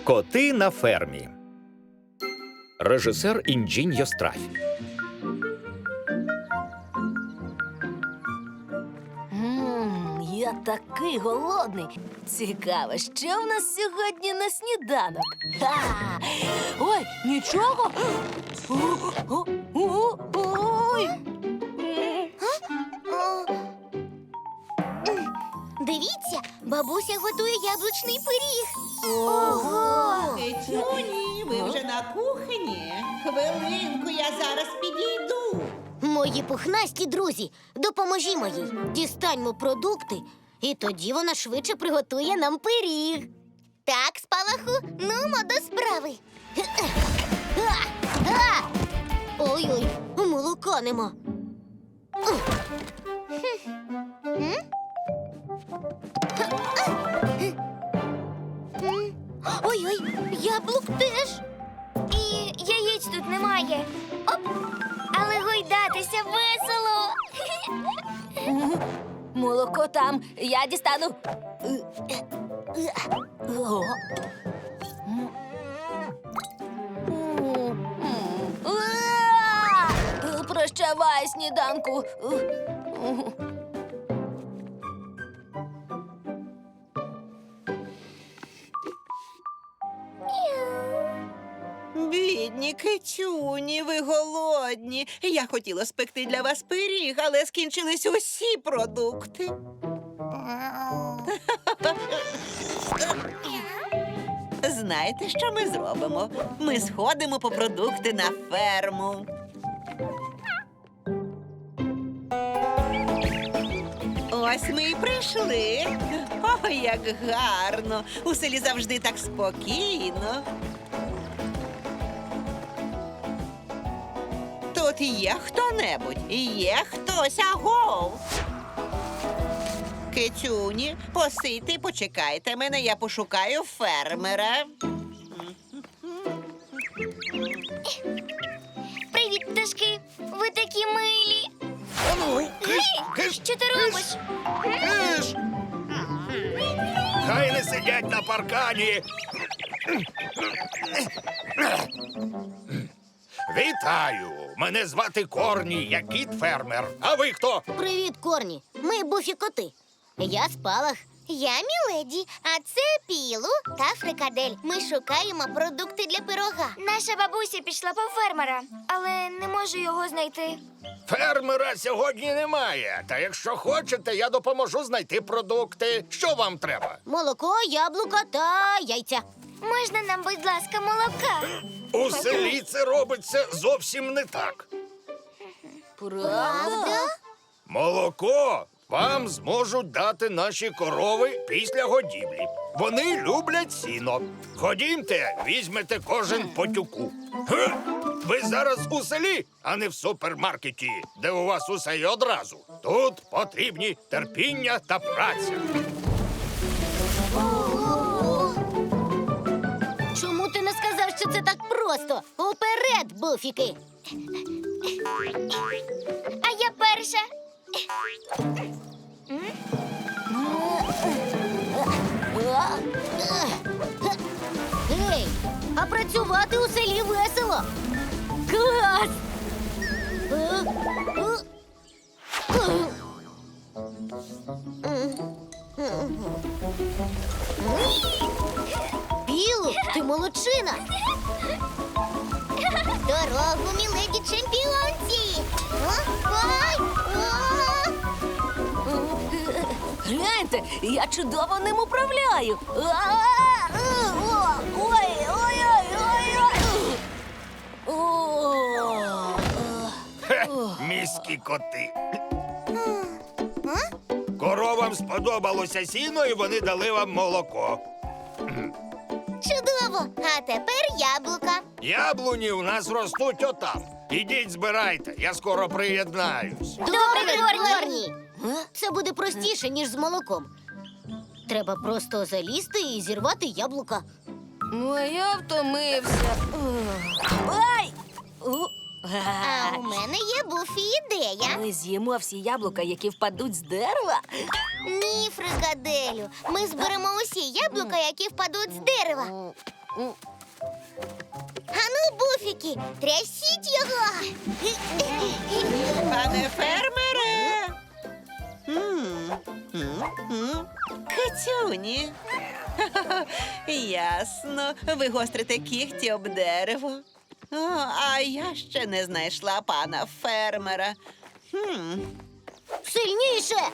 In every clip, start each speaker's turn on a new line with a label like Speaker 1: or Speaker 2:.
Speaker 1: Коти на фермі. Режисер Інджіньо Страфі.
Speaker 2: Я такий голодний. Цікаво, що в нас сьогодні на сніданок? Ха! Ой, нічого. Ой.
Speaker 3: Дивіться, бабуся готує яблучний пиріг.
Speaker 2: Ого!
Speaker 4: Кицюні, ви вже на кухні? Хвилинку, я зараз підійду.
Speaker 3: Мої пухнасті друзі, допоможімо їй. Дістаньмо продукти, і тоді вона швидше приготує нам пиріг. Так, Спалаху, нумо до справи. Ой-ой, молока нема. Ой-ой, яблук теж.
Speaker 5: І яєць тут немає. Оп! Але гойдатися весело.
Speaker 2: Молоко там. Я дістану. О. Прощавай, сніданку.
Speaker 4: Бідні кицюні, ви голодні. Я хотіла спекти для вас пиріг, але скінчились усі продукти. Знаєте, що ми зробимо? Ми сходимо по продукти на ферму. Ось ми і прийшли. Ой, як гарно! У селі завжди так спокійно. Тут є хто-небудь? Є хтось, агов? Кицюні, посидьте і почекайте мене, я пошукаю фермера.
Speaker 5: Привіт, пташки. Ви такі милі. Що ти робиш?
Speaker 1: Киш! Хай не сидять на паркані. Вітаю! Мене звати Корні, я кіт-фермер. А ви хто?
Speaker 3: Привіт, Корні. Ми буфі-коти. Я Спалах.
Speaker 5: Я Міледі, а це Пілу та Фрикадель. Ми шукаємо продукти для пирога. Наша бабуся пішла по фермера, але не може його знайти.
Speaker 1: Фермера сьогодні немає. Та якщо хочете, я допоможу знайти продукти. Що вам треба?
Speaker 3: Молоко, яблука та яйця.
Speaker 5: Можна нам, будь ласка, молока?
Speaker 1: У селі це робиться зовсім не так.
Speaker 2: Правда?
Speaker 1: Молоко вам зможуть дати наші корови після годівлі. Вони люблять сіно. Ходімте, візьмете кожен по тюку. Ге! Ви зараз у селі, а не в супермаркеті, де у вас усе й одразу. Тут потрібні терпіння та праця.
Speaker 3: Чому ти не сказав, що це так просто? Уперед, буфіки!
Speaker 5: А я перша.
Speaker 3: Гей, а працювати у селі весело. Клас! Білу, ти молодчина!
Speaker 5: Дорогу, міледі чемпіонці! Ой!
Speaker 2: Гляньте, я чудово ним управляю.
Speaker 1: Хе, міські коти. Коровам сподобалося сіно, і вони дали вам молоко.
Speaker 5: Чудово! А тепер яблука.
Speaker 1: Яблуні у нас ростуть отам. Ідіть, збирайте, я скоро приєднаюсь.
Speaker 3: Добре, Корні! Це буде простіше, ніж з молоком. Треба просто залізти і зірвати яблука.
Speaker 2: Ну, а я втомився. Ай!
Speaker 5: А у мене є Буфі ідея.
Speaker 2: Ми з'їмо всі яблука, які впадуть з дерева?
Speaker 5: Ні, Фрикаделю. Ми зберемо усі яблука, які впадуть з дерева.
Speaker 3: Ану, буфіки, трясіть його.
Speaker 4: Пане фермере. Кицюні. Ясно. Ви гострите кігті об дерево. О, а я ще не знайшла пана фермера.
Speaker 3: Сильніше.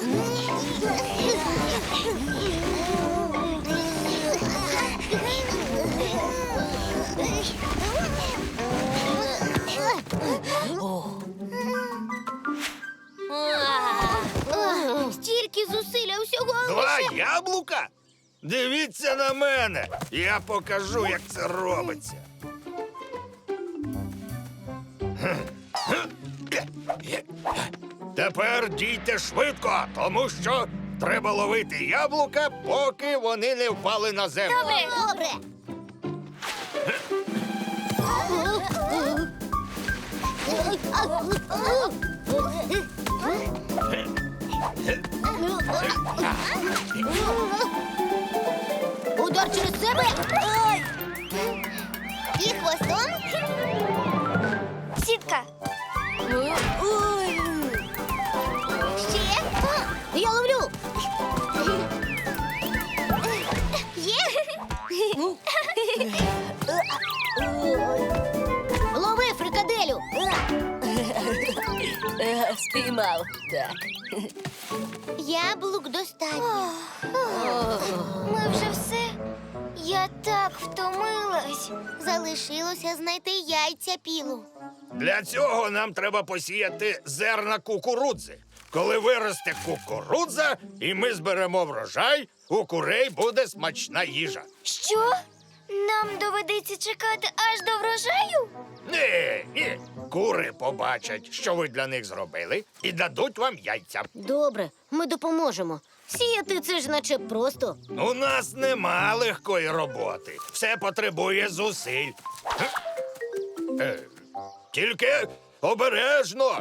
Speaker 3: Стільки зусиль, а всього
Speaker 1: Два
Speaker 3: лише...
Speaker 1: яблука? Дивіться на мене. Я покажу, як це робиться. Тепер дійте швидко, тому що треба ловити яблука, поки вони не впали на землю.
Speaker 3: Добре. Удар через себе. Ой. І хвостом.
Speaker 5: Сітка.
Speaker 2: Ой.
Speaker 3: Ще. Я ловлю. Є. Лови, фрикаделю.
Speaker 2: Спіймав. Так.
Speaker 3: Яблук достатньо.
Speaker 5: Ми вже все. Я так втомилась.
Speaker 3: Залишилося знайти яйця пілу.
Speaker 1: Для цього нам треба посіяти зерна кукурудзи. Коли виросте кукурудза, і ми зберемо врожай, у курей буде смачна їжа.
Speaker 5: Що? Нам доведеться чекати аж до врожаю?
Speaker 1: Ні. Кури побачать, що ви для них зробили, і дадуть вам яйця.
Speaker 3: Добре, ми допоможемо. Сіяти це ж наче просто.
Speaker 1: У нас нема легкої роботи. Все потребує зусиль. Тільки обережно.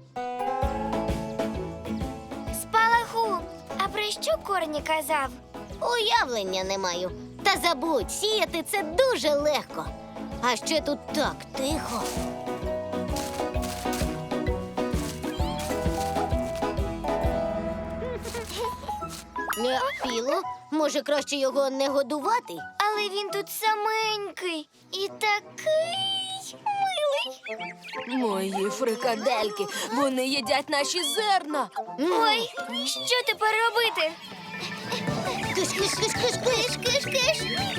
Speaker 5: Спалаху. А про що Корні казав?
Speaker 3: Уявлення не маю. Та забудь, сіяти це дуже легко. А ще тут так тихо. Піло, може краще його не годувати?
Speaker 5: Але він тут саменький і такий милий.
Speaker 2: Мої фрикадельки, вони їдять наші зерна.
Speaker 5: Ой, що тепер робити?
Speaker 3: Киш-киш-киш-киш-киш-киш-киш.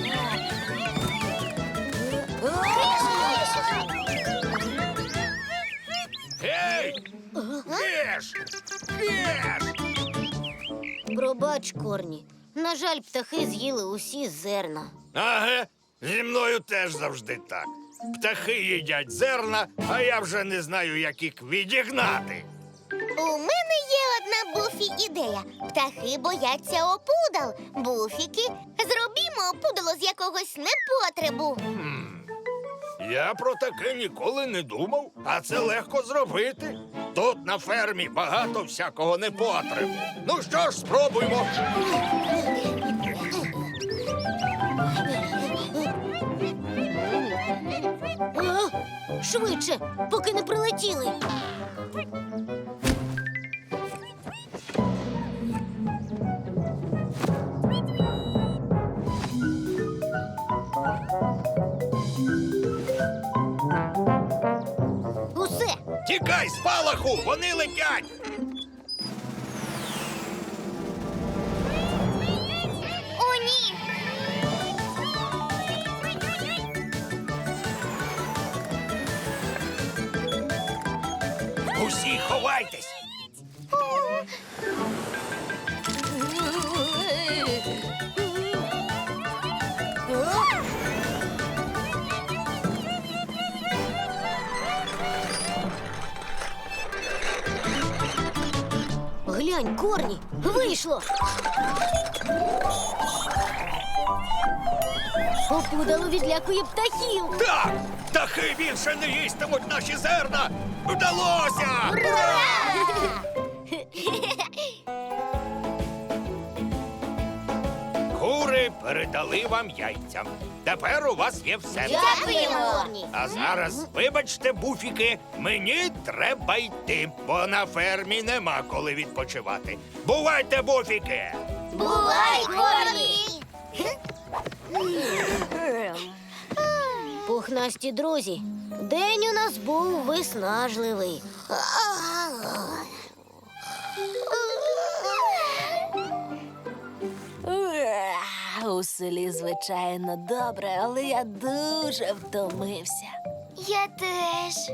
Speaker 1: Гей! Їж! Їж!
Speaker 3: Пробач, Корні. На жаль, птахи з'їли усі зерна.
Speaker 1: Ага, зі мною теж завжди так. Птахи їдять зерна, а я вже не знаю, як їх відігнати.
Speaker 3: У мене є одна Буфі ідея. Птахи бояться опудал. Буфіки, зробімо опудало з якогось непотребу.
Speaker 1: Я про таке ніколи не думав, а це легко зробити. Тут на фермі багато всякого непотребу. Ну що ж, спробуймо.
Speaker 3: Швидше, поки не прилетіли. Усе.
Speaker 1: Тікай, спалаху, вони летять.
Speaker 5: О, ні!
Speaker 1: Усі ховайтесь.
Speaker 3: Глянь, Корні, вийшло. Опудало відлякує птахів.
Speaker 1: Так, птахи більше не їстимуть наші зерна. Вдалося! Кури передали вам яйця. Тепер у вас є все.
Speaker 3: Дякуємо, Горні.
Speaker 1: А зараз, вибачте, буфіки, мені треба йти, бо на фермі нема коли відпочивати. Бувайте, буфіки!
Speaker 3: Бувай, Горні! Пухнасті друзі, день у нас був виснажливий.
Speaker 2: У селі, звичайно, добре, але я дуже втомився.
Speaker 5: Я теж.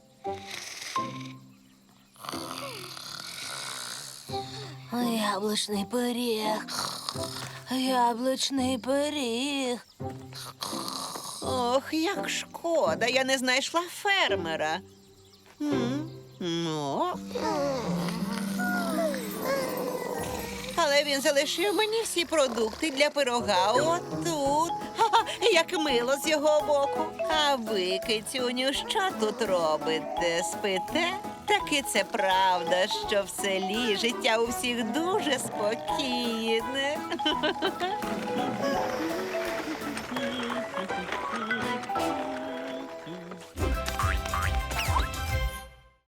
Speaker 2: Яблучний пиріг. Яблучний пиріг.
Speaker 4: Ох, як шкода, я не знайшла фермера. Ну. Але він залишив мені всі продукти для пирога отут. Ха-ха, як мило з його боку. А ви, кицюню, що тут робите? Спите? Таки це правда, що в селі життя у всіх дуже спокійне.